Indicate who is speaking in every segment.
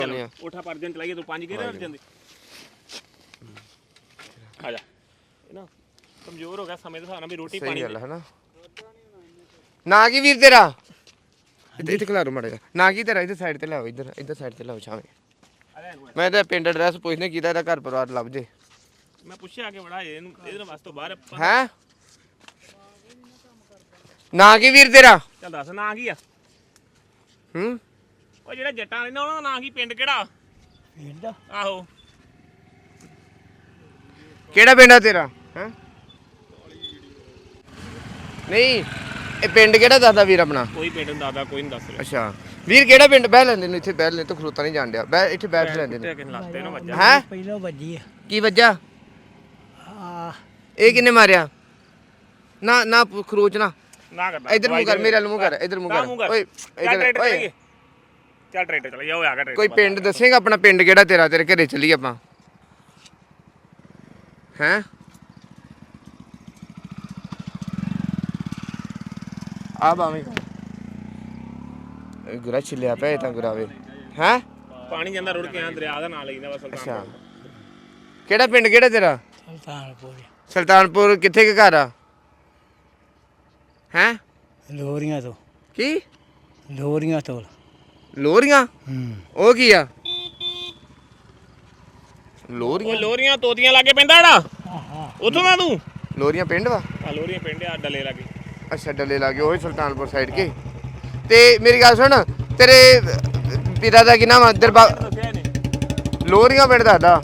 Speaker 1: ਉਠਾ ਪਰ ਦਿਨ ਚਲਾਈਏ ਤੂੰ 5 ਗੇਰੇ ਨਾਲ ਜਾਂਦੇ ਆ ਜਾ ਇਹ ਨਾ ਕਮਜ਼ੋਰ ਹੋ ਗਿਆ ਸਮੇਂ ਦੇ ਹਿਸਾਬ ਨਾਲ ਵੀ ਰੋਟੀ ਪਾਣੀ
Speaker 2: ਹੈ ਨਾ। ਨਾ ਕੀ ਵੀਰ ਤੇਰਾ ਇੱਥੇ ਖਿਲਾਰੋ ਮਾੜਾ ਜਿਹਾ ਨਾ ਕੀ ਤੇਰਾ ਇੱਧਰ ਸਾਈਡ ਤੇ ਲਿਆਓ ਇੱਧਰ ਸਾਈਡ ਤੇ ਲਿਆਓ ਛਾਵੇਂ। ਮੈਂ ਤਾਂ ਪਿੰਡ ਐਡਰੈਸ ਪੁੱਛਨੇ ਕੀਤਾ ਇਹਦਾ ਘਰ ਪਰਿਵਾਰ ਲੱਭ ਜੇ।
Speaker 1: ਮੈਂ ਪੁੱਛਿਆ ਕਿ ਬੜਾ ਇਹਨੂੰ ਇਹਦੇ ਵਾਸਤੇ ਬਾਹਰ
Speaker 2: ਹੈ ਨਾ ਕੀ ਵੀਰ ਤੇਰਾ
Speaker 1: ਚੱਲ ਦੱਸ ਨਾਂ ਕੀ ਆ?
Speaker 2: ਹੂੰ
Speaker 1: ਉਹ ਜਿਹੜਾ ਜੱਟਾਂ ਰਹਿੰਦਾ ਉਹਨਾਂ ਦਾ ਨਾਂ ਕੀ? ਪਿੰਡ ਕਿਹੜਾ?
Speaker 3: ਪਿੰਡ
Speaker 1: ਆਹੋ
Speaker 2: ਕਿਹੜਾ ਪਿੰਡ ਆ ਤੇਰਾ? ਹੈ ਨਹੀਂ ਇਹ ਪਿੰਡ ਕਿਹੜਾ ਦੱਸਦਾ ਵੀਰ ਆਪਣਾ?
Speaker 1: ਕੋਈ ਪਿੰਡ ਨੂੰ ਦੱਸਦਾ ਕੋਈ ਨਹੀਂ ਦੱਸ ਰਿਹਾ।
Speaker 2: ਅੱਛਾ ਵੀਰ ਕਿਹੜਾ ਪਿੰਡ? ਬਹਿ ਲੈਂਦੇ ਨੇ ਇੱਥੇ ਬਹਿ ਲੈਂਦੇ ਤੂੰ ਖਲੋਤਾ ਨਹੀਂ ਜਾਣ ਡਿਆ ਬਹਿ ਇੱਥੇ ਬੈਠ ਲੈਂਦੇ ਨੇ।
Speaker 1: ਲੱਤੇ ਨਾ ਵੱਜਾ
Speaker 2: ਹੈ
Speaker 3: ਪਹਿਲਾਂ ਵੱਜੀ
Speaker 2: ਕੀ ਵੱਜਾ?
Speaker 3: ਆ
Speaker 2: ਇਹ ਕਿੰਨੇ ਮਾਰਿਆ? ਨਾ ਨਾ ਖਰੋਚ ਨਾ
Speaker 1: ਨਾ ਕਰਦਾ
Speaker 2: ਇਧਰ ਮੂੰਹ ਕਰ ਮੇਰੇ ਵੱਲ ਮੂੰਹ ਕਰ ਇਧਰ ਮੂੰਹ ਕਰ ਓਏ ਇਧਰ ਓਏ
Speaker 1: ਚੱਲ ਟਰੈਕਟਰ ਚਲਾ ਜਾ। ਉਹ ਆ ਗਿਆ ਟਰੈਕਟਰ।
Speaker 2: ਕੋਈ ਪਿੰਡ ਦੱਸੇਗਾ ਆਪਣਾ ਪਿੰਡ ਕਿਹੜਾ ਤੇਰਾ? ਤੇਰੇ ਘਰੇ ਚੱਲੀ ਆਪਾਂ ਹੈ ਆ ਬਾਵੇਂ ਗੁਰਾ ਛਿਲਿਆ ਪਿਆ ਤਾਂ ਗੁਰਾਵੇ ਹੈ
Speaker 1: ਪਾਣੀ ਜਾਂਦਾ ਰੁੜ ਕੇ ਆ ਦਰਿਆ ਦਾ ਨਾਂ ਲੈਂਦਾ ਬਸ।
Speaker 2: ਅੱਛਾ ਕਿਹੜਾ ਪਿੰਡ ਕਿਹੜਾ ਤੇਰਾ?
Speaker 3: ਸੁਲਤਾਨਪੁਰ
Speaker 2: ਸੁਲਤਾਨਪੁਰ ਕਿੱਥੇ ਕੇ ਘਰ ਆ? ਹੈ
Speaker 3: ਲੋਰੀਆਂ ਤੋਂ
Speaker 2: ਕੀ
Speaker 3: ਲੋਰੀਆਂ ਤੋਂ
Speaker 2: ਲੋਰੀਆਂ? ਉਹ ਕੀ ਆ?
Speaker 1: ਉਹ ਲੋਰੀਆਂ ਤੋਤੀਆਂ ਲਾਗੇ ਪੈਂਦਾ ਜਿਹੜਾ ਉੱਥੋਂ ਦਾ ਤੂੰ?
Speaker 2: ਲੋਰੀਆਂ ਪਿੰਡ ਵਾ?
Speaker 1: ਆ ਲੋਰੀਆਂ ਪਿੰਡ ਆ ਡੱਲੇ ਲਾਗੇ।
Speaker 2: ਅੱਛਾ ਡੱਲੇ ਲਾਗੇ ਉਹ ਸੁਲਤਾਨਪੁਰ ਸਾਈਡ ਕੇ। ਤੇ ਮੇਰੀ ਗੱਲ ਸੁਣ ਤੇਰੇ ਪਿਤਾ ਦਾ ਕੀ ਨਾਮ ਆ? ਲੋਰੀਆਂ ਪਿੰਡ ਦੱਸਦਾ।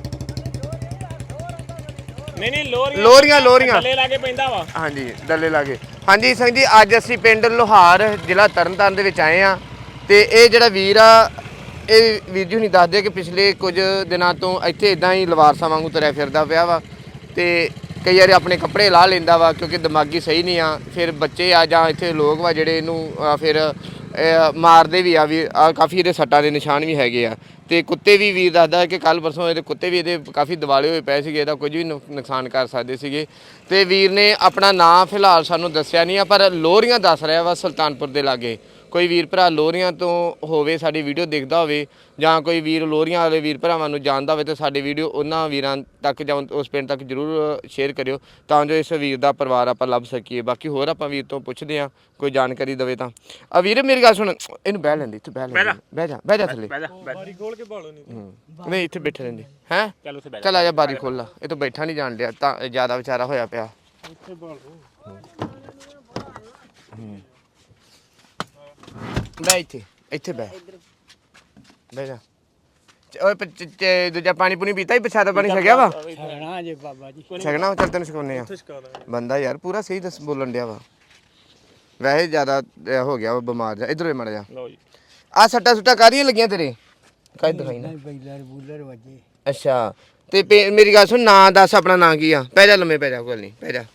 Speaker 1: ਨਹੀਂ
Speaker 2: ਲੋਰੀਆਂ
Speaker 1: ਡੱਲੇ ਲਾਗੇ ਪੈਂਦਾ ਵਾ।
Speaker 2: ਹਾਂਜੀ ਡੱਲੇ ਲਾਗੇ। ਹਾਂਜੀ ਸਿੰਘ ਜੀ ਅੱਜ ਅਸੀਂ ਪਿੰਡ ਲੋਹਾਰ ਜ਼ਿਲ੍ਹਾ ਤਰਨਤਾਰਨ ਦੇ ਵਿੱਚ ਆਏ ਆ ਤੇ ਇਹ ਜਿਹੜਾ ਵੀਰ ਆ ਇਹ ਵੀਰ ਜੀ ਹੁਣੀ ਦੱਸਦੇ ਕਿ ਪਿਛਲੇ ਕੁਝ ਦਿਨਾਂ ਤੋਂ ਇੱਥੇ ਇਦਾਂ ਹੀ ਲਵਾਰਸਾਂ ਵਾਂਗੂ ਤੁਰਿਆ ਫਿਰਦਾ ਪਿਆ ਵਾ ਤੇ ਕਈ ਵਾਰੀ ਆਪਣੇ ਕੱਪੜੇ ਲਾਹ ਲੈਂਦਾ ਵਾ ਕਿਉਂਕਿ ਦਿਮਾਗੀ ਸਹੀ ਨਹੀਂ ਆ। ਫਿਰ ਬੱਚੇ ਆ ਜਾਂ ਇੱਥੇ ਲੋਕ ਵਾ ਜਿਹੜੇ ਇਹਨੂੰ ਫਿਰ ਮਾਰਦੇ ਵੀ ਆ ਵੀ ਆ ਕਾਫੀ ਇਹਦੇ ਸੱਟਾਂ ਦੇ ਨਿਸ਼ਾਨ ਵੀ ਹੈਗੇ ਆ ਤੇ ਕੁੱਤੇ ਵੀ ਵੀਰ ਦੱਸਦਾ ਕਿ ਕੱਲ ਪਰਸੋਂ ਇਹਦੇ ਕੁੱਤੇ ਵੀ ਇਹਦੇ ਕਾਫੀ ਦਿਵਾਲੇ ਹੋਏ ਪਏ ਸੀਗੇ। ਇਹਦਾ ਕੁਝ ਵੀ ਨੁਕਸਾਨ ਕਰ ਸਕਦੇ ਸੀਗੇ ਤੇ ਵੀਰ ਨੇ ਆਪਣਾ ਨਾਂ ਫਿਲਹਾਲ ਸਾਨੂੰ ਦੱਸਿਆ ਨਹੀਂ ਆ ਪਰ ਲੋਰੀਆਂ ਦੱਸ ਰਿਹਾ ਵਾ ਸੁਲਤਾਨਪੁਰ ਦੇ ਲਾਗੇ। ਕੋਈ ਵੀਰ ਭਰਾ ਲੋਰੀਆਂ ਤੋਂ ਹੋਵੇ ਸਾਡੀ ਵੀਡੀਓ ਦੇਖਦਾ ਹੋਵੇ ਜਾਂ ਕੋਈ ਵੀਰ ਲੋਰੀਆਂ ਵਾਲੇ ਵੀਰ ਭਰਾਵਾਂ ਨੂੰ ਜਾਣਦਾ ਹੋਵੇ ਤਾਂ ਸਾਡੀ ਵੀਡੀਓ ਉਹਨਾਂ ਵੀਰਾਂ ਤੱਕ ਜਾਂ ਉਸ ਪਿੰਡ ਤੱਕ ਜ਼ਰੂਰ ਸ਼ੇਅਰ ਕਰਿਓ ਤਾਂ ਜੋ ਇਸ ਵੀਰ ਦਾ ਪਰਿਵਾਰ ਆਪਾਂ ਲੱਭ ਸਕੀਏ। ਬਾਕੀ ਹੋਰ ਆਪਾਂ ਵੀਰ ਤੋਂ ਪੁੱਛਦੇ ਹਾਂ ਕੋਈ ਜਾਣਕਾਰੀ ਦੇਵੇ ਤਾਂ। ਆ ਵੀਰ ਮੇਰੀ ਗੱਲ ਸੁਣ ਇਹਨੂੰ ਬਹਿ ਲੈਂਦੀ ਇੱਥੇ ਬਹਿ ਜਾ ਥੱਲੇ
Speaker 1: ਬਾਰੀ ਖੋਲ ਕੇ ਭਾਲੋ ਨਹੀਂ
Speaker 2: ਨਹੀਂ ਇੱਥੇ ਬੈਠੇ ਰਹਿੰਦੇ ਹੈ।
Speaker 1: ਚੱਲ ਉੱਥੇ ਬੈਠ
Speaker 2: ਚੱਲ ਆ ਜਾ ਬਾਰੀ ਖੋਲ ਲਾ ਇਹ ਤਾਂ ਬੈਠਾ ਨਹੀਂ ਜਾਣ ਡਿਆ ਤਾਂ ਜ਼ਿਆਦਾ ਵਿਚਾਰਾ ਹੋਇਆ ਪਿਆ।
Speaker 1: ਇੱਥੇ ਭਾਲੋ
Speaker 2: ਬੈ ਇੱਥੇ ਬਹਿ ਜਾ। ਓਏ ਦੂਜਾ ਪਾਣੀ ਪੂਣੀ ਪੀਤਾ ਹੀ ਪ੍ਰਸ਼ਾਦਾ ਪਾਣੀ ਛਕਿਆ ਵਾ?
Speaker 3: ਛਕਣਾ ਜੇ ਬਾਬਾ ਜੀ
Speaker 2: ਛਕਣਾ ਚੱਲ ਤੈਨੂੰ ਸਿਖਾਉਂਦੇ ਆ। ਬੰਦਾ ਯਾਰ ਪੂਰਾ ਸਹੀ ਦੱਸ ਬੋਲਣ ਡਿਆ ਵਾ ਵੈਸੇ ਜ਼ਿਆਦਾ ਹੋ ਗਿਆ ਵਾ ਬਿਮਾਰ ਜਾ। ਇੱਧਰ ਮੜ ਜਾ।
Speaker 1: ਲਓ ਜੀ
Speaker 2: ਆ ਸੱਟਾਂ ਸੁੱਟਾਂ ਕਾਹਦੀਆਂ ਲੱਗੀਆਂ ਤੇਰੇ? ਕਾਹਦੀ ਦਿਖਾਈ ਨਾ।
Speaker 3: ਬੂਲਰ ਵੱਜੇ।
Speaker 2: ਅੱਛਾ ਤੇ ਮੇਰੀ ਗੱਲ ਸੁਣ ਨਾਂ ਦੱਸ ਆਪਣਾ ਨਾਂ ਕੀ ਆ? ਪੈ ਜਾ ਲੰਮੇ ਪੈ ਜਾ ਕੋਈ ਨਹੀਂ ਪੈ ਜਾ।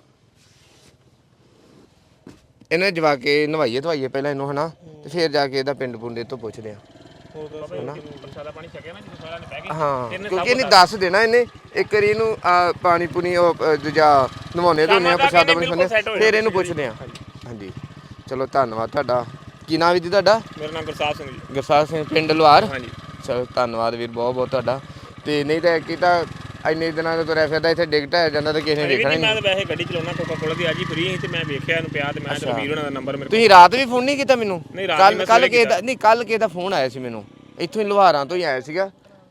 Speaker 2: ਇਹਨੇ ਜਵਾ ਕੇ ਨਵਾਈਏ ਧਵਾਈਏ ਪਹਿਲਾਂ ਇਹਨੂੰ ਹਨਾ ਤੇ ਫਿਰ ਜਾ ਕੇ ਇਹਦਾ ਪਿੰਡ ਪੁੰਡੇ ਤੋਂ ਪੁੱਛਦੇ ਆ।
Speaker 1: ਪ੍ਰਸ਼ਾਦਾ ਪਾਣੀ ਛਕਿਆ ਨਾ ਜਦੋਂ ਸਾਰਿਆਂ ਨੇ ਬਹਿ ਗਏ।
Speaker 2: ਹਾਂ ਕਿਉਂਕਿ ਇਹਨੇ ਦੱਸ ਦੇਣਾ ਇਹਨੇ ਇੱਕ ਵਾਰੀ ਇਹਨੂੰ ਪਾਣੀ ਪੂਣੀ ਉਹ ਦੂਜਾ ਨਵਾਉਣੇ ਧੋਨੇ ਆ ਪ੍ਰਸ਼ਾਦਾ ਪਾਣੀ ਖਾਂਦੇ ਫਿਰ ਇਹਨੂੰ ਪੁੱਛਦੇ ਆ। ਹਾਂਜੀ ਚਲੋ ਧੰਨਵਾਦ ਤੁਹਾਡਾ। ਕੀ ਨਾਮ ਵੀ ਜੀ ਤੁਹਾਡਾ?
Speaker 1: ਮੇਰਾ ਨਾਮ ਗੁਰਸਾਹਿਬ ਸਿੰਘ ਜੀ।
Speaker 2: ਗੁਰਸਾਹਿਬ ਸਿੰਘ ਪਿੰਡ ਲੋਹਾਰ।
Speaker 1: ਹਾਂਜੀ
Speaker 2: ਚਲੋ ਧੰਨਵਾਦ ਵੀਰ ਬਹੁਤ ਬਹੁਤ ਤੁਹਾਡਾ। ਤੇ ਨਹੀਂ ਤਾਂ ਕੀ ਤਾਂ ਇੰਨੇ ਦਿਨਾਂ ਤੋਂ ਤੁਰਿਆ ਫਿਰਦਾ ਇੱਥੇ ਡਿੱਗ ਢਹਿ ਜਾਂਦਾ ਤਾਂ ਕਿਸੇ ਨੇ ਵੇਖਣਾ ਨਹੀਂ।
Speaker 1: ਮੈਂ ਤਾਂ ਵੈਸੇ ਗੱਡੀ ਚਲਾਉਣਾ ਕੋਕਾ ਕੋਲਾ ਦੀ ਅੱਜ ਹੀ ਫ੍ਰੀ ਸੀ ਤੇ ਮੈਂ ਵੇਖਿਆ ਇਹਨੂੰ ਪਿਆ ਤੇ ਮੈਂ ਵੀਰ ਉਹਨਾਂ ਦਾ ਨੰਬਰ ਮੇਰੇ
Speaker 2: ਤੁਸੀਂ ਰਾਤ ਵੀ ਫੋਨ ਨਹੀਂ ਕੀਤਾ ਮੈਨੂੰ? ਕੱਲ ਕਿਸੇ ਦਾ ਫੋਨ ਆਇਆ ਸੀ ਮੈਨੂੰ ਇੱਥੋਂ ਹੀ ਲੋਹਾਰਾਂ ਤੋਂ ਹੀ ਆਇਆ ਸੀਗਾ।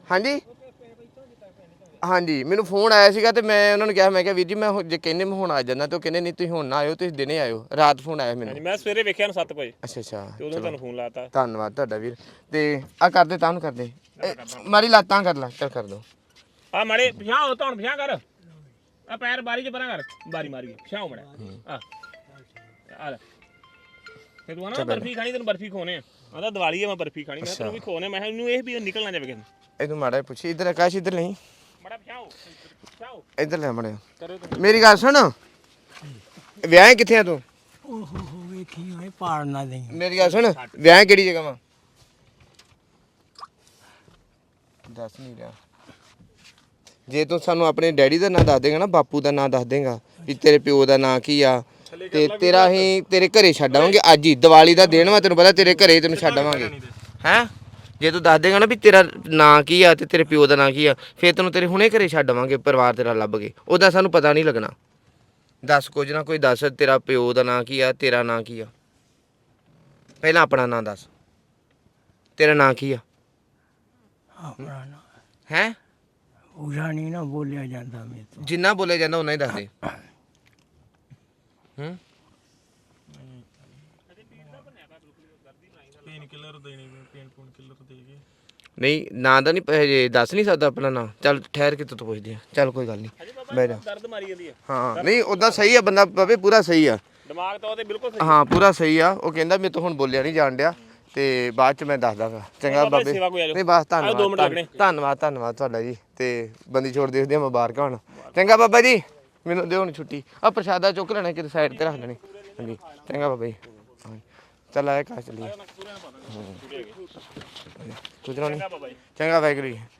Speaker 2: ਹਾਂਜੀ ਮੈਨੂੰ ਫੋਨ ਆਇਆ ਸੀਗਾ ਤੇ ਮੈਂ ਉਹਨਾਂ ਨੂੰ ਕਿਹਾ ਮੈਂ ਕਿਹਾ ਵੀਰ ਜੀ ਮੈਂ ਜੇ ਕਹਿੰਦੇ ਮੈਂ ਹੁਣ ਆ ਜਾਂਦਾ ਤੇ ਉਹ ਕਹਿੰਦੇ ਨਹੀਂ ਤੁਸੀਂ ਹੁਣ ਨਾ ਆਇਓ ਤੁਸੀਂ ਦਿਨੇ ਆਇਓ। ਰਾਤ ਫੋਨ ਆਇਆ ਮੈਨੂੰ।
Speaker 1: ਮੈਂ ਸਵੇਰੇ ਵੇਖਿਆ ਨੂੰ 7 ਵਜੇ।
Speaker 2: ਅੱਛਾ
Speaker 1: ਤੇ ਉਦੋਂ ਤੁਹਾਨੂੰ ਫੋਨ ਲਾਤਾ।
Speaker 2: ਧੰਨਵਾਦ ਤੁਹਾਡਾ ਵੀਰ। ਤੇ ਆ ਕਰਦੇ ਤਾਂ ਨੂੰ ਕਰਦੇ ਮਾਰੀ ਲਾਤਾਂ ਕਰ ਲੈ ਚੱਲ ਕਰ ਦੋ
Speaker 1: ਆ ਮਾੜੇ ਪਿਛਾਂ ਹੋ ਧੌਣ ਪਿਛਾਂ ਕਰ ਆ ਪੈਰ ਬਾਰੀ ਚ ਪਰਾਂ ਕਰ ਬਾਰੀ ਮਾਰੀ ਪਿਛਾਂ ਹੋ ਮੜਾ ਆ ਲੈ ਤੇ ਤੂੰ ਨਾ ਬਰਫੀ ਖਾਣੀ ਤੈਨੂੰ ਬਰਫੀ ਖੋਨੇ ਆ ਆਂਦਾ ਦੀਵਾਲੀ ਆ ਮੈਂ ਬਰਫੀ ਖਾਣੀ ਮੈਂ ਤੈਨੂੰ ਵੀ ਖੋਨੇ ਮੈਂ ਇਹਨੂੰ ਇਹ ਵੀ ਨਿਕਲ ਨਾ ਜਾਵੇ ਕਿਸੇ ਨੂੰ।
Speaker 2: ਇਹਨੂੰ ਮਾੜਾ ਪੁੱਛੀ ਇੱਧਰ ਆਕਾਸ਼ ਇੱਧਰ ਨਹੀਂ
Speaker 1: ਮੜਾ ਪਿਛਾਂ ਹੋ
Speaker 2: ਇੱਧਰ ਲੈ ਮੜਿਆ। ਮੇਰੀ ਗੱਲ ਸੁਣ ਵਿਆਹ ਕਿੱਥੇ ਆ ਤੂੰ?
Speaker 3: ਓਹੋ ਵੇਖੀ ਹੋਏ ਪਾੜ ਨਾ ਦੇ।
Speaker 2: ਮੇਰੀ ਗੱਲ ਸੁਣ ਵਿਆਹ ਕਿਹੜੀ ਜਗ੍ਹਾ ਵਾ? ਦੱਸ ਨਹੀਂ ਰਿਹਾ। ਜੇ ਤੂੰ ਸਾਨੂੰ ਆਪਣੇ ਡੈਡੀ ਦਾ ਨਾਂ ਦੱਸ ਦੇਗਾ ਨਾ ਬਾਪੂ ਦਾ ਨਾਂ ਦੱਸ ਦੇਗਾ ਵੀ ਤੇਰੇ ਪਿਓ ਦਾ ਨਾਂ ਕੀ ਆ ਤੇ ਤੇਰਾ ਅਸੀਂ ਤੇਰੇ ਘਰੇ ਛੱਡ ਆਵਾਂਗੇ ਅੱਜ ਹੀ। ਦੀਵਾਲੀ ਦਾ ਦਿਨ ਵਾ ਤੈਨੂੰ ਪਤਾ ਤੇਰੇ ਘਰੇ ਤੈਨੂੰ ਛੱਡ ਆਵਾਂਗੇ। ਹੈ ਜੇ ਤੂੰ ਦੱਸ ਦੇਗਾ ਨਾ ਵੀ ਤੇਰਾ ਨਾਂ ਕੀ ਆ ਤੇ ਤੇਰੇ ਪਿਓ ਦਾ ਨਾਂ ਕੀ ਆ, ਫਿਰ ਤੈਨੂੰ ਤੇਰੇ ਹੁਣੇ ਘਰੇ ਛੱਡ ਆਵਾਂਗੇ ਪਰਿਵਾਰ ਤੇਰਾ ਲੱਭ ਕੇ। ਉਹਦਾ ਸਾਨੂੰ ਪਤਾ ਨਹੀਂ ਲੱਗਣਾ। ਦੱਸ ਕੁਝ ਨਾ ਕੋਈ ਦੱਸ, ਤੇਰਾ ਪਿਓ ਦਾ ਨਾਂ ਕੀ ਆ, ਤੇਰਾ ਨਾਂ ਕੀ ਆ? ਪਹਿਲਾਂ ਆਪਣਾ ਨਾਂ ਦੱਸ, ਤੇਰਾ ਨਾਂ ਕੀ ਆ?
Speaker 3: ਆਪਣਾ ਨਾ
Speaker 2: ਹੈ
Speaker 3: ਪੂਰਾ ਨਹੀਂ ਨਾ ਬੋਲਿਆ ਜਾਂਦਾ ਮੇਰੇ ਤੋਂ।
Speaker 2: ਜਿੰਨਾ ਬੋਲਿਆ ਜਾਂਦਾ ਉਹਨਾਂ ਹੀ ਦੱਸ ਦੇ। ਹੂੰ
Speaker 4: ਪੇਨ ਕਿਲਰ ਦੇਣੀ ਪੇਨ ਪੂਨ ਕਿਲਰ ਦੇ ਕੇ
Speaker 2: ਨਹੀਂ ਨਾਂ ਦਾ ਨਹੀਂ ਹਜੇ ਦੱਸ ਨਹੀਂ ਸਕਦਾ ਆਪਣਾ ਨਾਂ। ਚੱਲ ਠਹਿਰ ਕੇ ਤੂੰ ਪੁੱਛਦੇ ਆ। ਚੱਲ ਕੋਈ ਗੱਲ ਨਹੀਂ, ਬਹਿ ਜਾ।
Speaker 1: ਦਰਦ ਮਾਰੀ ਜਾਂਦੀ ਹੈ।
Speaker 2: ਹਾਂ ਨਹੀਂ ਉਦਾਂ ਸਹੀ ਆ ਬੰਦਾ ਬਾਬੇ, ਪੂਰਾ ਸਹੀ ਆ।
Speaker 1: ਦਿਮਾਗ ਤਾਂ ਉਹਦੇ ਬਿਲਕੁਲ ਸਹੀ।
Speaker 2: ਹਾਂ ਪੂਰਾ ਸਹੀ ਆ। ਉਹ ਕਹਿੰਦਾ ਮੇਰੇ ਤੋਂ ਹੁਣ ਬੋਲਿਆ ਨਹੀਂ ਜਾਣ ਡਿਆ ਤੇ ਬਾਅਦ ਚ ਮੈਂ ਦੱਸ ਦਾਂਗਾ। ਚੰਗਾ ਬਾਬੇ।
Speaker 1: ਸੇਵਾ ਕੋਈ ਆ ਜਾਓ।
Speaker 2: ਨਹੀਂ ਬਸ
Speaker 1: ਆਓ 2 ਮਿੰਟ ਲੱਗਣੇ।
Speaker 2: ਧੰਨਵਾਦ ਤੁਹਾਡਾ ਜੀ। ਤੇ ਬੰਦੀ ਛੋੜ ਦੇਖਦੇ ਆ, ਮੁਬਾਰਕਾਂ ਹੁਣ। ਚੰਗਾ ਬਾਬਾ ਜੀ, ਮੈਨੂੰ ਦਿਓ ਹੁਣ ਛੁੱਟੀ। ਆ ਪ੍ਰਸ਼ਾਦਾ ਚੁੱਕ ਲੈਣਾ ਕਿਤੇ ਸਾਈਡ ਤੇ ਰੱਖ ਲੈਣੀ। ਹਾਂਜੀ ਚੰਗਾ ਬਾਬਾ ਜੀ। ਚੱਲ ਆਇਆ ਘਰ ਚੱਲੀਏ। ਕੁਝ ਨਹੀਂ। ਚੰਗਾ ਵਾਹਿਗੁਰੂ ਜੀ।